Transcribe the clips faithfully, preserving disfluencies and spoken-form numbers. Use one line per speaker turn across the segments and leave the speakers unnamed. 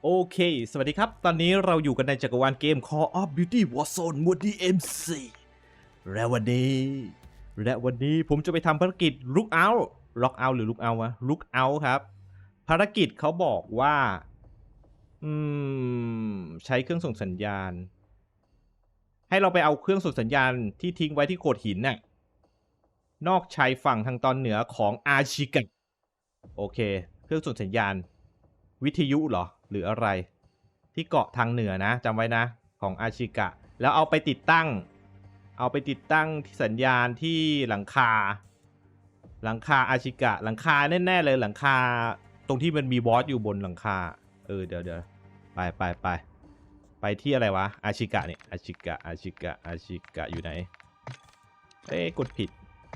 โอเคสวัสดีครับตอนนี้เราอยู่กันในจักรวาลเกม Call of Duty Warzone หมวด ดี เอ็ม ซี และวันนี้และวันนี้ผมจะไปทำภารกิจ Look Out Lock Out หรือ Look Out วะ Look Out ครับภารกิจเขาบอกว่าอืมใช้เครื่องส่งสัญญาณให้เราไปเอาเครื่องส่งสัญญาณที่ทิ้งไว้ที่โขดหินน่ะนอกชายฝั่งทางตอนเหนือของอาชิกะโอเคเครื่องส่งสัญญาณวิทยุเหรอหรืออะไรที่เกาะทางเหนือนะจำไว้นะของอาชิกะแล้วเอาไปติดตั้งเอาไปติดตั้งที่สัญญาณที่หลังคาหลังคาอาชิกะหลังคาแน่ๆเลยหลังคาตรงที่มันมีบอสอยู่บนหลังคาเออเดี๋ยวเดี๋ยวไปไปไปไปที่อะไรวะอาชิกะเนี่ยอาชิกะอาชิกะอาชิกะอยู่ไหนเอ้กดผิด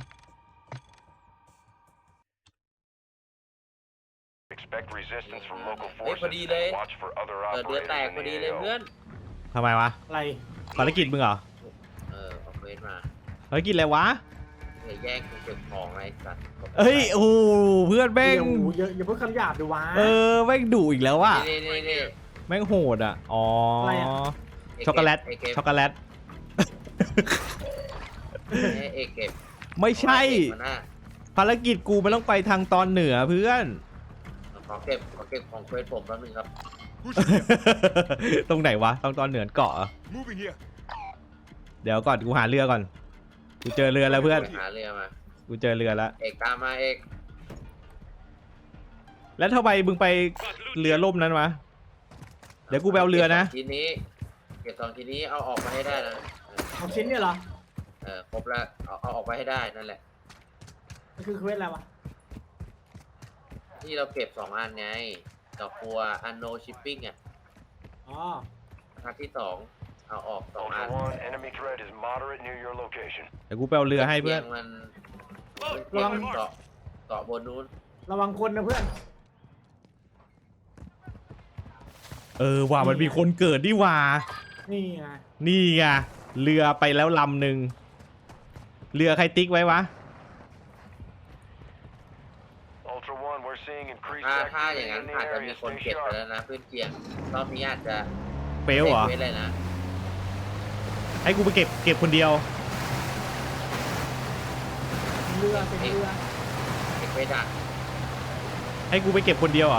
เฮ้ยพอดีเลยเกิดเดือดแตกพอดีเลยเพื่อน
ทำไมวะ
อะไร
ภารกิจมึงเหรอ
เออเอาเฟสมา
ภารกิจอะไรวะ
เดี๋ยวแย่งกูเก็บของไอ้สัตว์
เอ้ยโอ้โหเพื่อนแม่ง
อย่าอย่าเพิ่งคำหยาบดูวะ
เออแม่งดุอีกแล้วว่ะ
นี่นี่นี่
แม่งโหดอ่ะอ๋อ
อะไรอะ
ช็อกโกแลต
ไอ้เก็บ
ช็อกโกแลต
ไอ้เอกเก็บ
ไม่ใช่
เอาไอ้เก็บมาหน้า
ภารกิจกูมันต้องไปทางตอนเหนือเพื่อน
ขอเก็บขอเก็บของเฟสผมแป๊บนึงครับ
ตรงไหนวะตรงตอนเหนือเกาะเหรอเดี๋ยวก่อนกูหาเรือก่อนกูเจอเรือแล้วเพื่อน
หาเรือมา
กูเจอเรือแล้ว
เอกตามมาเอก
แล้วทำไมมึงไปเรือล่มนั้นวะเดี๋ยวกูไปเอาเรือนะ
ทีนี้เก็บสองทีนี้เอาออกมาให้ได้นะเออ
เอาชิ้นเนี่ยเหรอ
เออครบแล้วเอาเอาออกมาให้ได้นั่นแหละ
มันคือเควสอะไรวะ
ที่เราเก็บสองอันไงดอกบัวอันโนชิปปิ้งอ่ะ
อ๋อ
อันที่สองเอาออกสองอัน
Ultra One, enemy threat is moderate near your location.
เดี๋ยวกูไปเอาเรือให้เพื่อน
ตียงมันเตียงมันเกาะเกาะบนนู้น
ระวังคนนะเพื่อน
เออว่ามันมีคนเกิดดิว่า
นี่ไง
นี่ไงเรือไปแล้วลำหนึ่งเรือใครติ๊กไว้วะ
Ultra One, we're seeing increased
ถ้าถ้าอย่าง
activity
นั้น
in the
อาจจะ
area.
มีคน
Stay
เก็บไป
sharp.
แล้วนะเพื่อนเกียงรอบนี้อาจจะ
เฟลเหรอ
เว้นเลยนะ
ให้กูไปเก็บเก็บคนเดียว
เรือเป็นเรือ
เก็บไปดัก
ให้กูไปเก็บคนเดียวเหรอ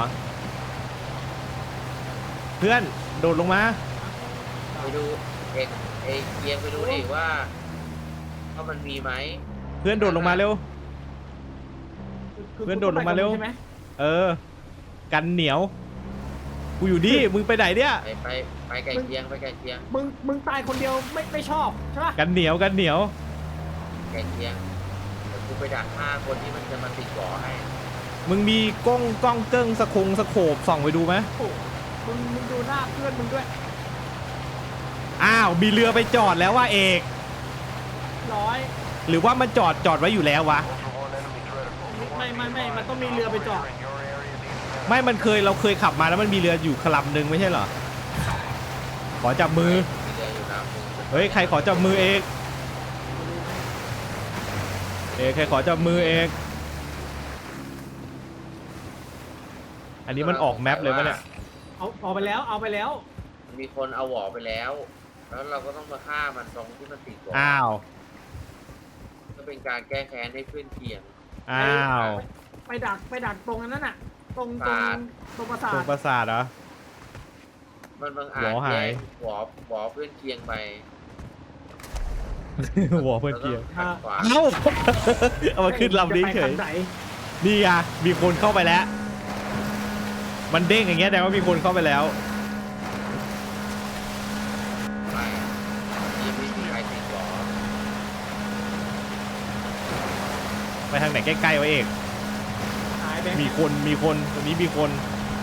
เพื่อนโดดลงมา
ไปดูเอกเอกเกียงไปดูดิว่าว่ามันมีไหม
เพื่อนโดดลงมาเร็ว
คื
เพื่อนโดดลงมาเร็ว
ใช่ไหม
เออ กันเหนียวกูอยู่นี่มึงไปไหนเนี่ย
ไปไปไปไก่เกียงไปไก่เกียง
มึงมึงตายคนเดียวไม่ไม่ชอบใช่ปะ
กันเหนียวกันเหนียว
ไก่เกียงแต่กูไปดักฆ่าคนที่มันจะมาติดก่อให้
มึงมีกล้องกล้องเกิ้งสะคงสะโขบส่องไปดูไหม
โอ้มึงมึงดูหน้าเพื่อนมึงด้วย
อ้าวมีเรือไปจอดแล้วว่าเอก
ร้อย
หรือว่ามันจอดจอดไว้อยู่แล้ววะ
Ultra One, enemy threat. Ultra
ไม่
One,
ไม่ไม่มันต้องมีเรือไปจอด
in your area needs
ไม่มันเคยเราเคยขับมาแล้วมันมีเรืออยู่คลำหนึ่งไม่ใช่เหรอขอจับมือ
มีเรืออยู่ลำนึง
เฮ้ยใครขอจับมือเอกเอกใครขอจับมือเอกอันนี้มันออกแมปเลยปะเนี่ย
เอาเอาไปแล้วเอาไปแล้ว
มีคนเอาหวอไปแล้ว แล้วเราก็ต้องมาฆ่ามันตรงที่มันติดก่อ
อ้าว
ก็เป็นการแก้แค้นให้เพื่อนเคียง
อ้าว
ไปดักไปดักตรงนั้นน่ะ ตรงตรง
ปราสาท
ตรงปราสา
ตร
ท
งปราสาทเหรอ
มันบางอาจ
หวอหาย
แย่งหวอหวอเพื่อนเคียงไป
หัวเพื่อนเกียร์
แล้วก็ขัดขวาง
เอ้า เอามาขึ้นลำนี้เฉ
จะไป
ย
ทางไหน
นี่ไงมีคนเข้าไปแล้ว มันเด้งอย่างเงี้ยแต่ว่ามีคนเข้าไปแล้ว
ไปยังไม่มีใครติดหวอ
ไปทางไหนใกล้ๆไว้เอก
หายไป
มีคนมีคนตรงนี้มีคน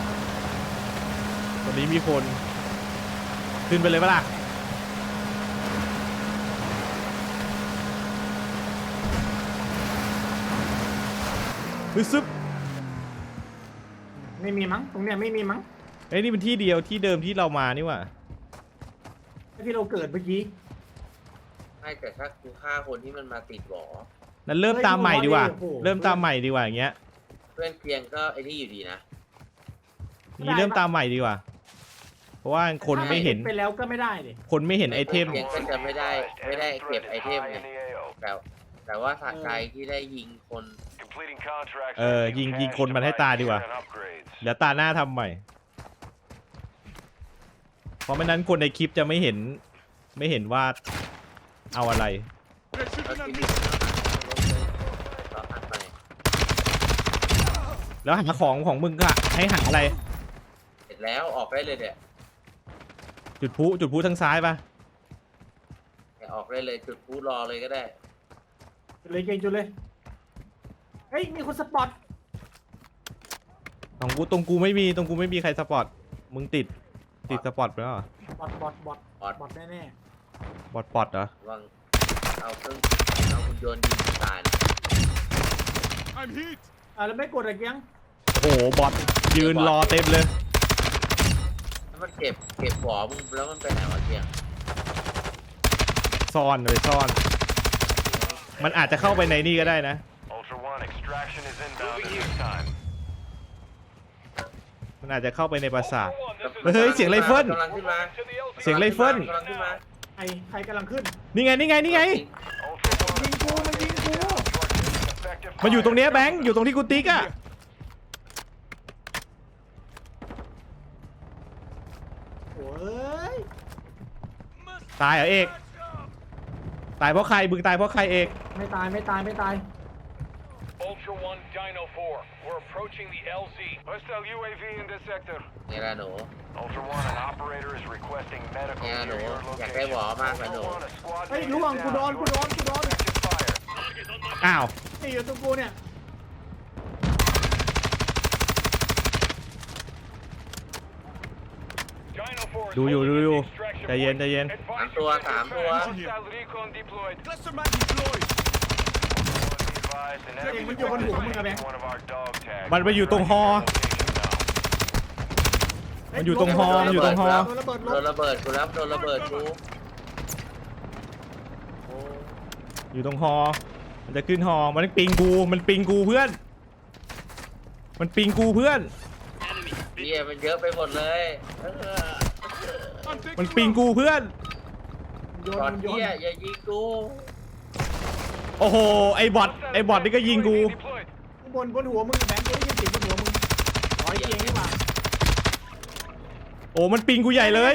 ตรงนี้มีคน ขึ้นไปเลยปะล่ะฮึซึบ
ไม่มีมั้งตรงเนี้ยไม่มีมั้ง
เอ้ยนี่เป็นที่เดียวที่เดิมที่เรามานี่หว่า
ที่เราเกิดเมื่อกี้
ไม่แต่ถ้ากูฆ่าคนที่มันมาติดหวอ
นั้นเริ่มตามใหม่ดีกว่า
โอ้โห
เริ่มตามใหม่ดีกว่าอย่างเงี้ย
เพื่อนเคียงก็ไอ้นี่อยู่ดีนะ
นี่เริ่มตามใหม่ดีกว่าเพราะว่าคนไม่เห็น
ไปแล้วก็ไม่ได้ดิ
คนไม่เห็นไอเทม
เพียงก็จะไม่ได้ไม่ได้
Enemy
เก็บ
threat
ไอ
is
เทม
high
ไง
in the A O.
แต่แต่ว่าสะใจที่ได้ยิงคน
Completing contracts.
เออ ยิงยิงคนมันให้ตายดีกว่า
and upgrades.
เดี๋ยวตาหน้าทำใหม่ เพราะไม่นั้นคนในคลิปจะไม่เห็น ไม่เห็นว่าเอาอะไร
แล้วที่นี่เราหันไป
แล้วหาของของมึงก็ให้หาอะไร
เสร็จแล้วออกได้เลยเนี่ย
จุดพลุจุดพลุทางซ้ายปะ
ออกได้เลยจุดพูรอเลยก็ได้
จุดเลยเก่งจุดเลยเฮ้ยมีคนสปอต
ของกูตรงกูไม่มีตรงกูไม่มีใครสปอร์ตมึงติดติดสปอร์ตไปแล้วเหรอบ
อทบอทบอท
ออด
บอทแน่
บอทปอดเหรอ
วางเอาเครื่องเอาหุ่นยนต์ยิงตายนะ
ๆอ่ะแล้วไม่กดอะไรยัง
โอ้โหบอทยืนรอเต็มเลย
แล้วมันเก็บเก็บหัวมึงแล้วมันไปไหนวะเทียง
ซ่อนเลยซ่อน มันอาจจะเข้าไปในนี่ก็ได้นะ
Ultra One, extraction is inbound at this time.
มันอาจจะเข้าไปในปราสาท เฮ้ยเสียงไรเฟิล
กำลังขึ้นมา
เสียงไรเฟิล
กำลังขึ้นมา
ใครใครกำลังขึ้น
นี่ไงนี่ไงนี่ไง
Ultra One,
ยิงกูมันยิงกู
effective
มันอยู่ตรงเนี้ย
fire.
แบงค์อยู่ตรงที่กูติ๊กอะ
โอ้ย
ตายเหรอเอก ตายเพราะใครมึงตายเพราะใครเอก
ไม่ตายไม่ตายไม่ตาย
Ultra One, Dino Four, we're approaching the L Z. Hostile U A V in this sector.
นี่แหละหนู
Ultra One, an operator is requesting medical
Yeah,
near
no.
your
Yeah,
location.
kay, wala ka,
Ultra
ano.
One, a squad
เฮ้ย
mate
ล่วง
is
กูโดน
down.
กูโดนกูโดน
Effective fire.
อ้าว
นี่อยู่ตรงกูเนี่ย
Dino Four is
ดูอยู่
holding
ดูอยู่
the extraction
ใจเย็น
point.
ใจเย็น
สามตัวสามตัว
Hostile recon deployed. Be advised, an enemy
Hey,มันอยู่บนหัวมึงอะแบงค์
one of our dog tags.
มันไปอยู่ตรงฮอ
Location now.
มันอยู่ตรงฮอมันอยู่ตรงฮอ
โดนระเบิดล
โด
บ
นระเบิดกูแล้วโดนระเบิดกูโอ้
อยู่ตรงฮอ มันจะขึ้นฮอ มันปิงกู มันปิงกูเพื่อน มันปิงกูเพื่อน
เหี้ยมันเยอะไปหมดเลยเออ
มันปิงกูเพื่อน
โย
ก่อน
นโยน
เหี้ยอย่ายิงกู
โอ้โห ไอ้บอท ไอ้บอทนี่ก็ยิงกู
Deployed.
บนบนหัวมึงแบงค์กูได้ยินเสียงบนหัวมึงร้อยเกียงนี่หว่า
โอ้ มันปิงกูใหญ่เลย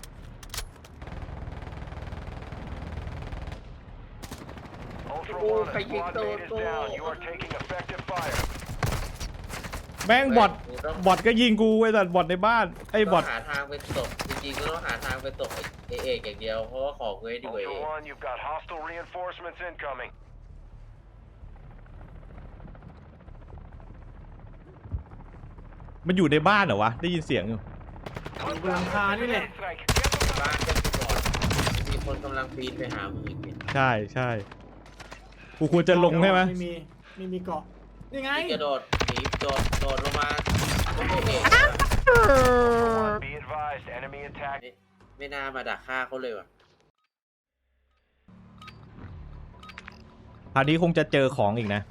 Ultra
Oh,
One, a
kay
squad
Victor,
mate is
to.
down. You are taking effective fire.
แม่งบอท บอทก็ยิงกูไอ้สัตว์บอทในบ้าน ไอ้บ
ต้
อ
อ
ท
งหาทางไปตกจริงๆก็ต้องหาทางไปตกไอเอกอย่างเดียวเพราะว่าของเว้ยดีกว่าเอ
Ultra
ก
One, you've got hostile reinforcements incoming.
มันอยู่ในบ้านเหรอวะ ได้ยินเสียงอยู่
อยู่บนหลังคานี่แหละ
Strike.
บ้านจะก่อนมีคนกำลังปีนไปหามึงอีกเนี่ย
ใช่ใช่ กูควรจะลงใช่ไหม
ไม่มีไม่มีเกาะนี่ไง
นี่กระโดดหนีโดดโดดลงมาไม่เอก
One, be advised, enemy attack.
ไม่ไม่น่ามาดักฆ่าเขาเลยว่ะ
คราวนี้คงจะเจอของอีกนะ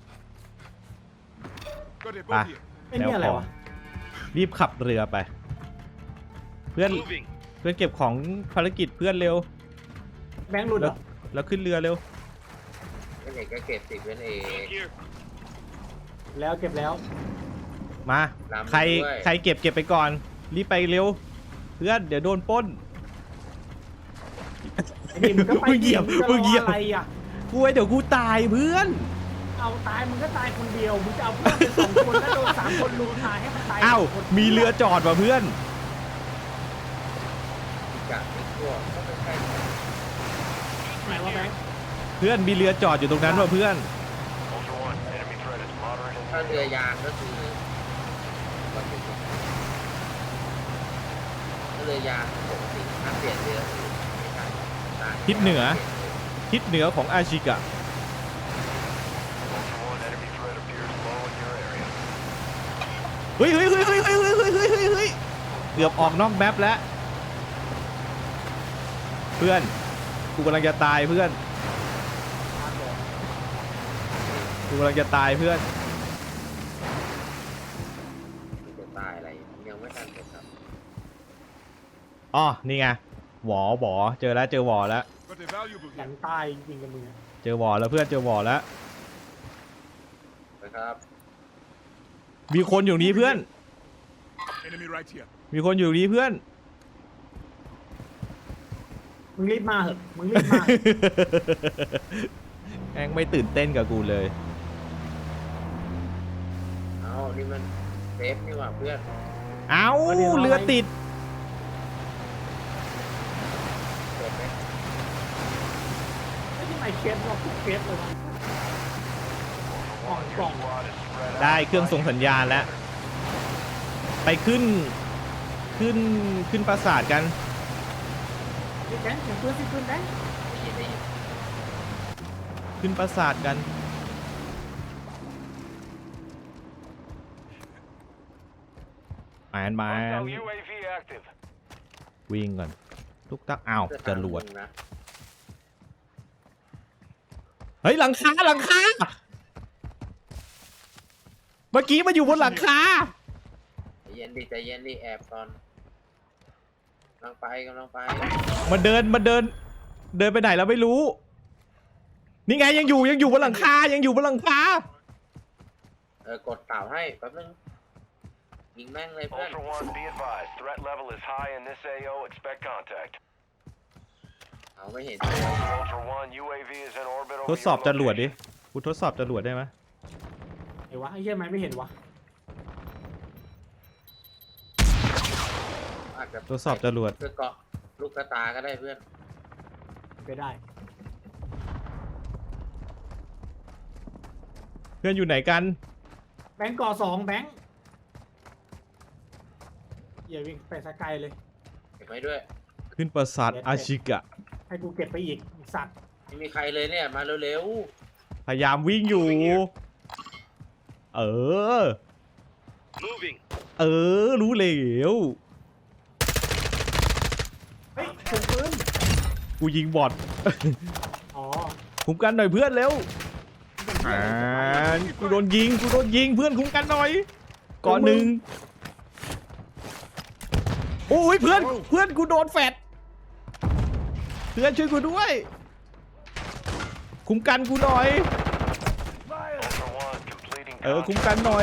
ไป
ไอ้เนี่ยอะไรวะ
รีบขับเรือไป เพื่อน เพื่อนเก็บของภารกิจเพื่อนเร็ว
แบงค์หลุดเหรอ
แล้วขึ้นเรือเร็ว
เป็นเอกก็เก็บสิเป็นเอก
แล้วเก็บแล้ว
มา
ลำ
ใคร
ด้วย
ใครเก็บเก็บไปก่อน รีบไปเร็ว เพื่อนเดี๋ยวโดนปล้น
ไอ้นี่มึงก็ไป
มึงเหยียบ
ดิ
มึงเหยียบ
จะรออะไรอ่ะ
กูไว้เดี๋ยวกูตายเพื่อน
เอาตายมึงก็ตายคนเดียวมึงจะเอาเพื่อนเป็นสองคนแล้วโดนสามคนลุมตายให้มันตาย
อ้าว
คน
มีเรือจอดว่ะเพื่อน
จับไอ้พวกก็ไม่ใช่
ไหนวะแบงค์
เพื่อนมีเรือจอดอยู่ตรงนั้นว่ะเพื่อน
Ultra One, enemy threat is moderate in
ถ้าเรือยางก็คือก็คือถ้าเรือยางปกติถ้าเปลี่ยนเรือคือไม่ได้ตาย
ทิศเหนือ ทิศเหนือของอาชิกะ
Ultra One, enemy threat appears low in your area.
เฮ้ยเฮ้ยเฮ้ยเฮ้ยเฮ้ยเฮ้ยเฮ้ยเฮ้ยเฮ้ยเกือบออกนอกแมปแล้ว เพื่อน กูกำลังจะตายเพื่อน กูกำลังจะตายเพื่อน
มันจะตายอะไรยังไม่ทันเลยครับ
อ๋อนี่ไงหวอหวอเจอแล้วเจอหวอแล้ว
Got a valuable
หลั
here.
งตายจริงๆกับมึงอะ
เจอหวอแล้วเพื่อนเจอหวอแล้ว
นะครับ
มีคนอยู่นี้เพื่อน
Enemy right here.
มีคนอยู่นี้เพื่อน
มึงรีบมาเหอะมึงรีบมา
แม่งไม่ตื่นเต้นกับกูเลย
เอานี่มันเซฟนี่หว่าเพื่อน
เอ้า
เอาดิเอาไว้
เรือติด
เปิดไหม
ไม่ใช่ไอเคสหรอกทุกเคสเลยวะกล่องกล่อง
ได้เครื่องส่งสัญญาณแล้ว ไปขึ้น ขึ้น ขึ้นปราสาทกัน
พี่แบงค์เสียงปืนสิปืนแบงค์
ได้ยินได้ยิน
ขึ้นปราสาทกันแมนแมน
Hostile U A V active.
วิ่งก่อนทุกตักอ้าวจรวด
นะ
เฮ้ยหลังคาหลังคา เมื่อกี้มาอยู่บนหลังคา
ใจเย็นดิใจเย็นดิแอบก่อนกำลังไปกำลังไป
มันเดินมันเดิน เดินไปไหนแล้วไม่รู้ นี่ไงยังอยู่ยังอยู่บนหลังคายังอยู่บนหลังคา
เออกดเต่าให้แป๊บนึงยิงแม่งเลยเพื่อน
Ultra One, be advised. Threat level is high in this A O. Expect contact.
เอาไม่เห็น
Ultra One, U A V is in orbit
ท
over
ดสอบ
your
จรวดดิ
location.
กูทดสอบจรวดได้ไหม
ไอ้วะไอ้เหี้ยไหมไม่เห็นวะ
อาจจะ
ทดสอบจรวด
เพื่อเกาะลูกกระตาก็ได้เพื่อน
ไปได้
เพื่อนอยู่ไหนกัน
แบงค์ก่อสองแบงค์อย่าวิ่งไปสกายเลย
เก็บไว้ด้วย
ขึ้นปราสาทอาชิกะ
ให้กูเก็บไปอีกอีกสัตว์
ไม่มีใครเลยเนี่ยมาเร็ว
พยายามวิ่งอยู่ เออ
Moving.
เออ รู้แล้ว
เฮ้ยเสียงปืน
กูยิงบอท
อ๋อ
คุ้มกันหน่อยเพื่อนเร็ว
เป็นเหี้
อ่าย
อะไร
กูโดนยิง กูโดนยิงเพื่อนคุ้มกันหน่อยก่อนหนึ่งโอ้ยเพื่อน เพื่อนกูโดนแฟดเพื่อนช่วยกูด้วย คุ้มกันกูหน่อย
Ultra One, completing
เออ คุ้มกันหน่อย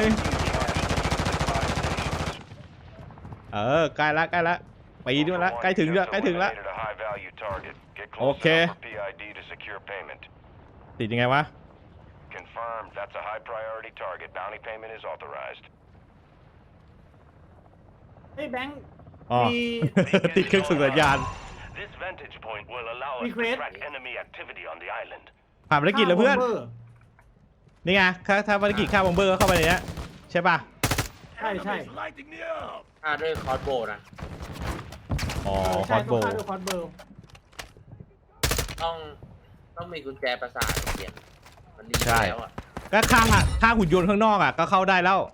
เออ ใกล้ละใกล้ละไปดีมาละใกล้ถึงละใกล้ถึงละ โอเค
P I D to secure payment.
ติดยังไงวะ
Confirmed. That's a high priority target. Bounty payment is authorized.
เฮ้ยแบงค์
อ๋อ
มี
ติดเครื่องส่งสัญญาณ
This vantage point will allow us to
Request.
track enemy activity on the island.
ผ่านภารกิจแล้วเพื่อน
ข้าวบอมบอร์
นี่ไงถ้าถ้าภารกิจฆ่าบอมเบอร์ก็เข้าไปในเนี้ยใช่ป่ะ
ใช่ใช่
Lighting me up.
ๆฆ่าด้วยคอร์สโบว์นะ
อ๋อ
เออ
ฮ
ใช่
อตโบ
ต้องฆ่าด้วยคอร์สเบิร์
ต้องต้องมีกุญแจประสาทเขียนมันดีแล้วอ่ะ
ก็ฆ่าฆ่าหุ่นยนต์ข้างนอกอ่ะก็เข้าได้แล้ว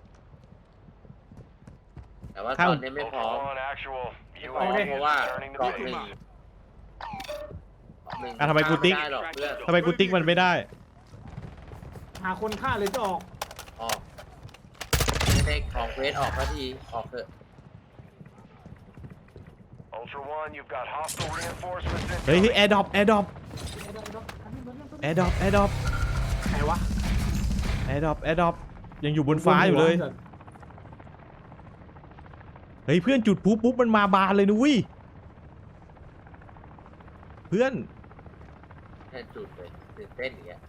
แต่ว่า
ข้า
ต
ว
อนนี้ไม่พร้อ
Ultra
ม
One, actual.
ไม่
U
พร้อม
A V
เพราะว่า
is returning to
เกาะหนึ่ง
base.
เกาะหนึ่ง
อ่ะทำไมกูติ๊ก
ฆ่าไม่ได้หรอกเพื่อน
ทำไมกูติ๊กมันไม่ได้
หาคนฆ่าเลยจะออก
ออกไม่ได้ของเควสออกสักทีออกเถอะ
Ultra One, you've got hostile reinforcements
เฮ้ย
incoming.
แอร์ดรอปแอร์ดรอปแอร์ดรอปแอร์ดรอป
ไหนวะ
แอร์ดรอปแอร์ดรอปยังอยู่บนฟ้าอยู่เลย เฮ้ยเพื่อนจุดปุ๊บปุ๊บมันมาบานเลยนุ้ยเพื่อน
แค่จุดเลยตื่นเต้นอย่างเงี้ย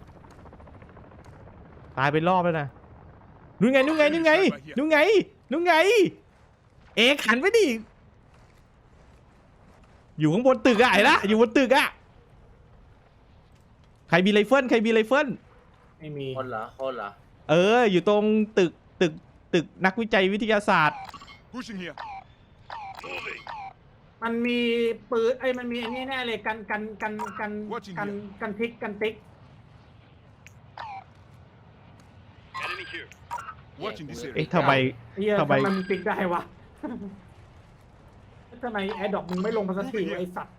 ตายไปรอบแล้วนะนู่นไงนู่นไงนู่นไงนู่นไงนู่นไง เอกหันไปดิอยู่ข้างบนตึกอะไอ้ละอยู่บนตึกอะใครมีไรเฟิลใครมีไรเฟิล
ไม่มี
คนเหรอคนเหรอ
เอออยู่ตรงตึกตึกตึกนักวิจัยวิทยาศาสตร์
Pushing here.
มันมีปืนไอ้ยมันมีอันนี้แน่เลยกันกันกันกันกันกันทิกกันติ๊ก
Watching this
เอ๊ะ
area.
ทำไม
เฮีย
ทำ
ทำ
ไม
ไมมันติ๊กได้วะ ทำไมแอดดอกมึงไม่ลงมาสักทีวะไอสัตว์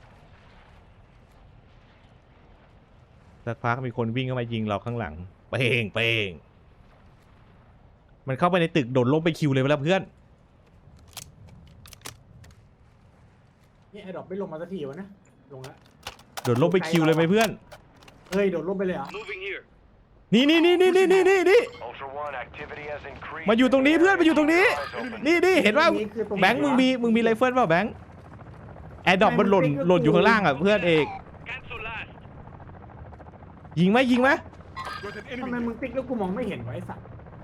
สักพักมีคนวิ่งเข้ามายิงเราข้างหลังเป้งเป้งมันเข้าไปในตึกโดดลงไปคิวเลยไปแล้วเพื่อน
นี่ไอ้ดอกไม่ลงมาสักทีวะนะลงแล้ว
โดดลงไปคิวเลยไหมเพื่อน
เฮ้ยโดดลงไปเลยเหรอ
Moving here.
นี่นี่นี่นี่นี่นี่นี่นี่
Ultra One, activity has increased.
มาอยู่ตรงนี้เพื่อนมาอยู่ตรงนี้
Eyes open.
นี่นี่เห็นว่า
นี่คือตรง
แบงค์มึงมีมึงมีไรเฟิลเปล่าแบงค์แอร์ดรอปมันหล่นหล่นอยู่ข้างล่างอ่ะเพื่อนเอก
Cancel last.
ยิงไหมยิงไหม
ทำไมมึงติ๊กแล้วกูมองไม่เห็นไวะไอ้สัตว์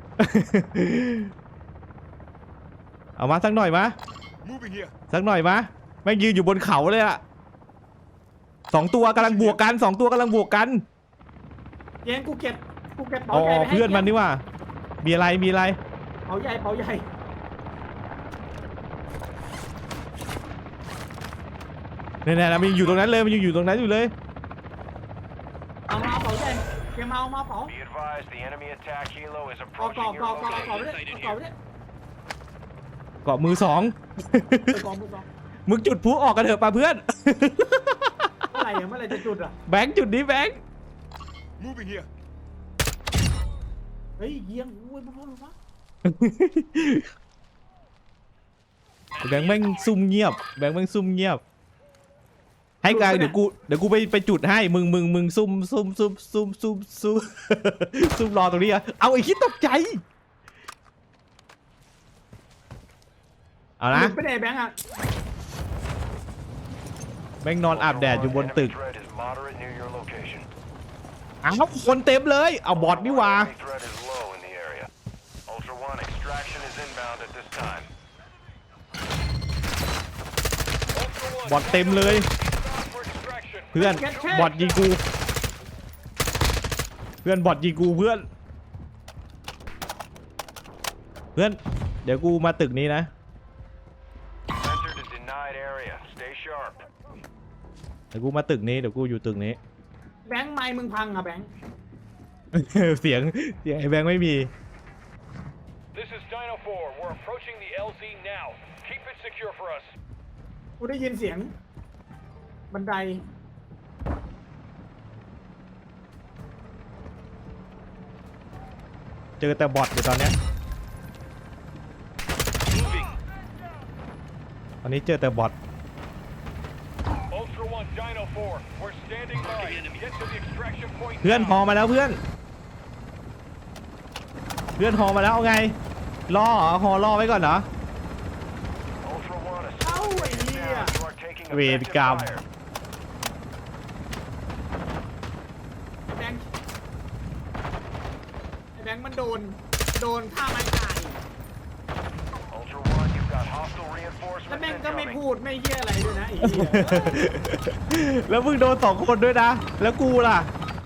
เอามาสักหน่อยมา
Moving here.
สักหน่อยมาแม่งยืนอยู่บนเขาเลยอะสองตัวกำลังบวกกันสองตัวกำลังบวกกัน
เย็นกูเก็บกูเก็บ
อ๋
เป๋าใหญ่
อ
ไปให้
เพื่อนมันนี่ว่ามีอะไรมีอะไร
เป๋าใหญ่เป๋าใหญ่
เนี่ยเนี่ยมันยังอยู่ตรงนั้นเลยมันยังอยู่ตรงนั้นอยู่เลย
เอามาเอาเป๋าใหญ่เก็บมาเอามาเป๋า
Be advised, the enemy attack helo is
เอากรอบ
approaching
กร
your
อบกรอบกรอบไป
location.
เลยเอากรอบไปเลย
เกาะมือสอง
เอากรอบมือสอง
มึงจุดพลุออกกันเถอะป่ะเพื่อน
เมื่อไหร่อะเมื่อไหร่จะจุดอ่ะ
แบงค์จุดนี้แบงค์
Moving here.
เฮ้ยเยี่ยงอุ้ยมาพ่อมาพ่อ
แบงค์แม่งซุ่มเงียบแบงค์แม่งซุ่มเงียบให้กายเดี๋ยวกูเดี๋ยวกูไปไปจุดให้มึงมึงมึงซุ่มซุ่มซุ่มซุ่มซุ่มซุ่ม ซุ่มรอตรงนี้อะเอาไอ้คิดตกใจเอานะ
หลุดไปไหนแบงค์อ่ะ
แม่งนอนอาบแดดอยู่บนตึก
Enemy threat is moderate near your location.
อ้าวคนเต็มเลยเอาบอทนี่หว่า
Enemy threat is low in the area. Ultra One, extraction is inbound at this time. Ultra One,
บอทเต็มเลย
stop for extraction.
เพื่อนบอทยิงกูเพื่อนบอทยิงกูเพื่อนเพื่อนเดี๋ยวกูมาตึกนี้นะ
Entered a denied area. Stay sharp.
เดี๋ยวกูมาตึกนี้เดี๋ยวกูอยู่ตึกนี้
แบงค์ไม้มึงพังอ่ะแบงค์
เสียงเสียงไอ้แบงค์ไม่มี
This is Dino Four. We're approaching the L Z now. Keep it secure for us.
กูได้ยินเสียง บันได
เจอแต่บอทอยู่ตอนเนี้ย
Moving.
ตอนนี้เจอแต่บอท
Ultra One, Dino Four. We're standing by. Get to the extraction point
เพื่อนฮอ
now.
มาแล้วเพื่อน เพื่อนฮอมาแล้วเอาไงรอเหรอฮอรอไว้ก่อนเหรอ
Ultra One, a
เอ้าไอ้เหี้ย
you are taking
เวร
effective
กรรม
fire.
แบงค์ไอ้แบงค์มันโดน โดนฆ่าไม้ตาย
Ultra One, you've got hostile
แล้ว
reinforcements
แม่งก็ไม่
incoming.
พูดไม่เหี้ยอะไรด้วยนะไอ้เหี้ย
แล้วมึงโดนสองคนด้วยนะ แล้วกูล่ะ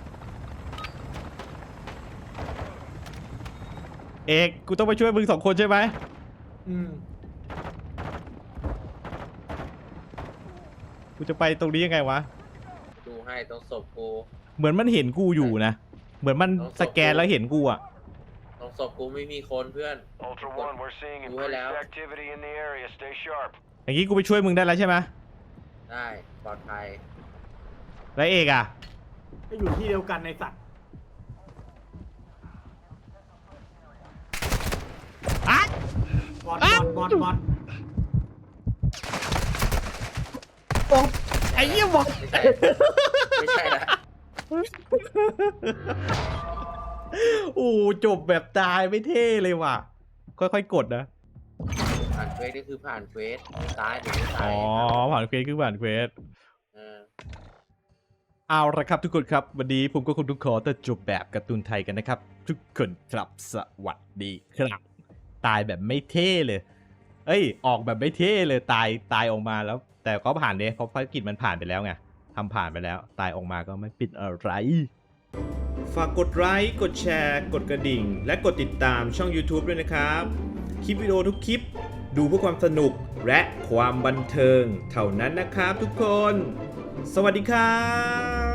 เอกกูต้องไปช่วยมึงสองคนใช่ไหม
อืม
กูจะไปตรงนี้ยังไงวะ
ดูให้ต้องศพกู
เหมือนมันเห็นกูอยู่นะ เหมือนมันสแกนแล้วเห็นกูอ่ะ
ต้องศพกูไม่มีคนเพื่อน
Ultra One, we're seeing
ดูให้แล้ว
increased activity in the area. Stay sharp.
อย่างนี้กูไปช่วยมึงได้แล้วใช่ไหม
ได้ปลอดภัย
แล้วเอกอ่ะ
ก็อยู่ที่เดียวกันในสัตว์
อ่ะ
บอด
อ่ะ
บอดบอด
โอ้ไอ้เหี้ยบอก
ไม่ใช่ไม่ใช่ละ
โอ้จบแบบตายไม่เท่เลยว่ะ ค่อยๆกดนะ
ผ่านเควสนี่คือผ่านเควสตายหรือไม่ตา
อ๋
ย
อ ผ่านเควสคือผ่านเควส
เออ
เอาละครับทุกคนครับ วันนี้ผมก็คงต้องขอแต่จบแบบการ์ตูนไทยกันนะครับ ทุกคนครับสวัสดีครับ ตายแบบไม่เท่เลย เอ้ย ออกแบบไม่เท่เลยตายตายออกมาแล้ว แต่ก็ผ่านเดยเพราะภารกิจมันผ่านไปแล้วไงทำผ่านไปแล้ว ตายออกมาก็ไม่ปิดอะไร ฝากกดไลค์กดแชร์ กดกระดิ่ง และกดติดตามช่อง YouTube ด้วยนะครับ คลิปวิดีโอทุกคลิปดูเพื่อความสนุกและความบันเทิงเท่านั้นนะครับทุกคน สวัสดีครับ